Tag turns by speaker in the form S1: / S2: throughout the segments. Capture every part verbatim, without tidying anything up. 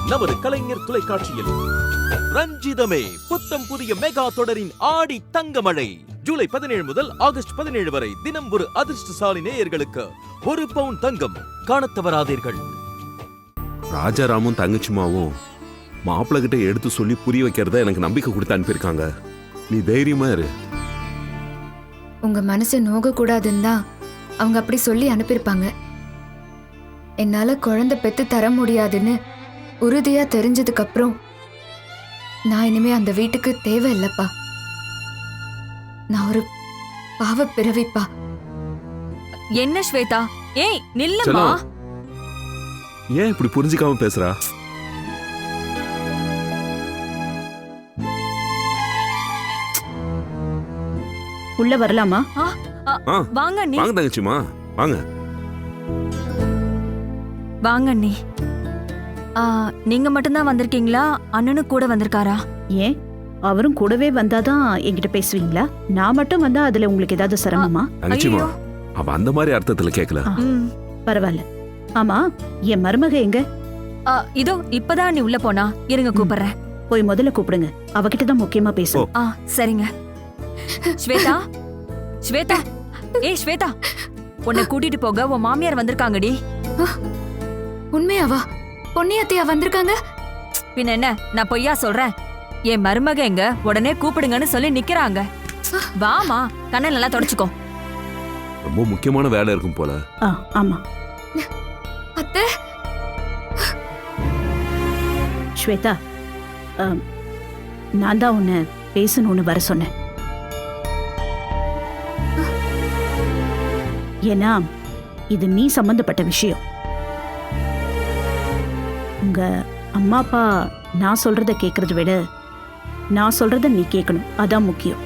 S1: நமது கலைஞர் தொலைக்காட்சியில். ரஞ்சிதமே புத்தம் புதிய மெகா தொடரின் ஆடி தங்கமழை ஜூலை பதினேழு முதல் ஆகஸ்ட் பதினேழு வரை தினம் ஒரு அதிர்ஷ்டசாலி நேயர்களுக்கு ஒரு பவுன் தங்கம் காணத் தவறாதீர்கள்.
S2: ராஜாராமும் தங்கச்சிமாவும் மாப்பிள்ள கிட்ட எடுத்து சொல்லி புரிய வைக்கிறத எனக்கு நம்பிக்கை கொடுத்து அனுப்பியிருக்காங்க. நீ தைரியமா இரு.
S3: உங்க மனசு நோக கூடாதுன்னு தான் அவங்க அப்படி சொல்லி அனுப்பியிருப்பாங்க. என்னால குழந்தை பெத்து தர முடியாதுன்னு உறுதியா தெரிஞ்சதுக்கு அப்புறம் நான் இனிமே அந்த வீட்டுக்கு தேவையில்லைப்பா. நான் ஒரு பாவ பிறவிப்பா.
S4: என்ன ஸ்வேதா? ஏய் நில்லுமா.
S2: ஏன் இப்படி புரிஞ்சுக்காம பேசுறா?
S5: உள்ள வரலாமா?
S4: வாங்க அண்ணி.
S2: வாங்க தங்கச்சிமா வாங்க.
S4: வாங்க அண்ணி. நீங்க மட்டும்தான் வந்திருக்கீங்களா? அண்ணனும் கூட வந்திருக்காரா?
S5: ஏன் அவரும் கூடவே வந்தாதான் என்கிட்ட பேசுவீங்களா? நான் மட்டும் வந்தா அதுல உங்களுக்கு ஏதாவது சிரமமா?
S2: தங்கச்சிமா அவ அந்த மாதிரி அர்த்தத்துல கேட்கல.
S5: பரவாயில்ல. ஆமா, என் மருமக எங்க?
S4: இதோ இப்பதான் நீ உள்ள போனா. இருங்க கூப்பிடுறேன்.
S5: போய் முதல்ல கூப்பிடுங்க. அவகிட்ட தான் முக்கியமா பேசும்.
S4: ஆ சரிங்க. ஸ்வேதா, ஸ்வேதா, ஏய் ஸ்வேதா, உன்னை கூட்டிட்டு போக உன் மாமியார் வந்திருக்காங்கடி.
S3: உண்மையாவா? பொன்னியத்தையா வந்திருக்காங்க?
S4: பின்ன என்ன, நான் பொய்யா சொல்றேன்? என் மருமக எங்க, உடனே கூப்பிடுங்கன்னு சொல்லி நிக்கிறாங்க. வாமா, கண்ணை நல்லா தொடச்சுக்கோ.
S2: ரொம்ப முக்கியமான வேலை இருக்கும் போல.
S5: ஆமா.
S3: அத்தை.
S5: ஸ்வேதா, நான் தான் உன்னை பேசணும்னு வர சொன்னேன். ஏன்னா இது நீ சம்பந்தப்பட்ட விஷயம். உங்க அம்மா அப்பா நான் சொல்றத கேட்கறத விட நான் சொல்றத நீ கேட்கணும், அதான் முக்கியம்.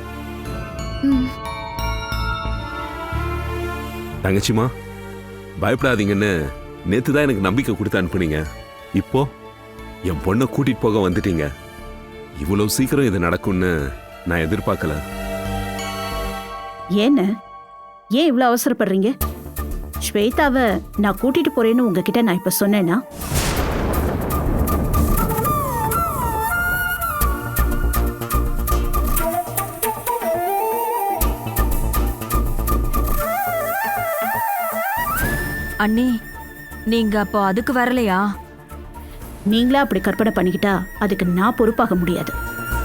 S2: தங்கச்சிமா பயப்படாதீங்கன்னு நேத்து தான் எனக்கு நம்பிக்கை கொடுத்து அனுப்புனீங்க. இப்போ என் பொண்ணை கூட்டிட்டு போக வந்துட்டீங்க. இவ்வளவு சீக்கிரம் இது நடக்கும்னு நான் எதிர்பார்க்கல.
S5: ஏன்னு ஏன் இவ்வளவு அவசரப்படுறீங்க? ஸ்வேதாவை நான் கூட்டிட்டு போறேன்னு உங்ககிட்ட நான் இப்ப சொன்னேன்னா
S4: அண்ணி, நீங்க அப்போ அதுக்கு வரலையா?
S5: நீங்களா அப்படி கற்பனை பண்ணிக்கிட்டா அதுக்கு நான் பொறுப்பாக முடியாது.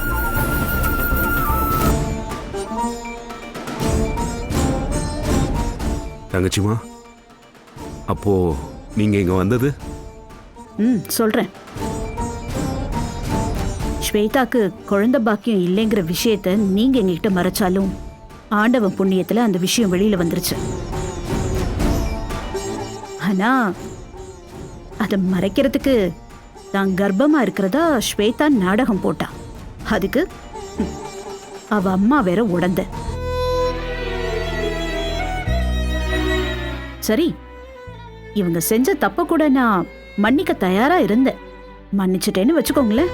S2: தங்கச்சிமா அப்போ நீங்க இங்க வந்தது?
S5: ம் சொல்றேன். ஸ்வேதாக்கு குழந்தை பாக்கியம் இல்லைங்கிற விஷயத்த நீங்க எங்ககிட்ட மறைச்சாலும் ஆண்டவன் புண்ணியத்துல அந்த விஷயம் வெளியில வந்துருச்சு. ஆனா அதை மறைக்கிறதுக்கு தான் கர்ப்பமா இருக்கிறதா ஸ்வேதா நாடகம் போட்டா. அதுக்கு அவ அம்மா வேற உடந்த. சரி, இவங்க செஞ்ச தப்ப கூட நான் மன்னிக்க தயாரா இருந்தேன். மன்னிச்சுட்டேன்னு வச்சுக்கோங்களேன்.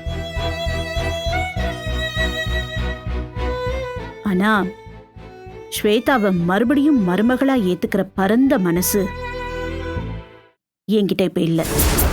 S5: ஆனா ஸ்வேதாவை மறுபடியும் மருமகளா ஏத்துக்கிற பரந்த மனசு என்கிட்ட இப்ப இல்ல.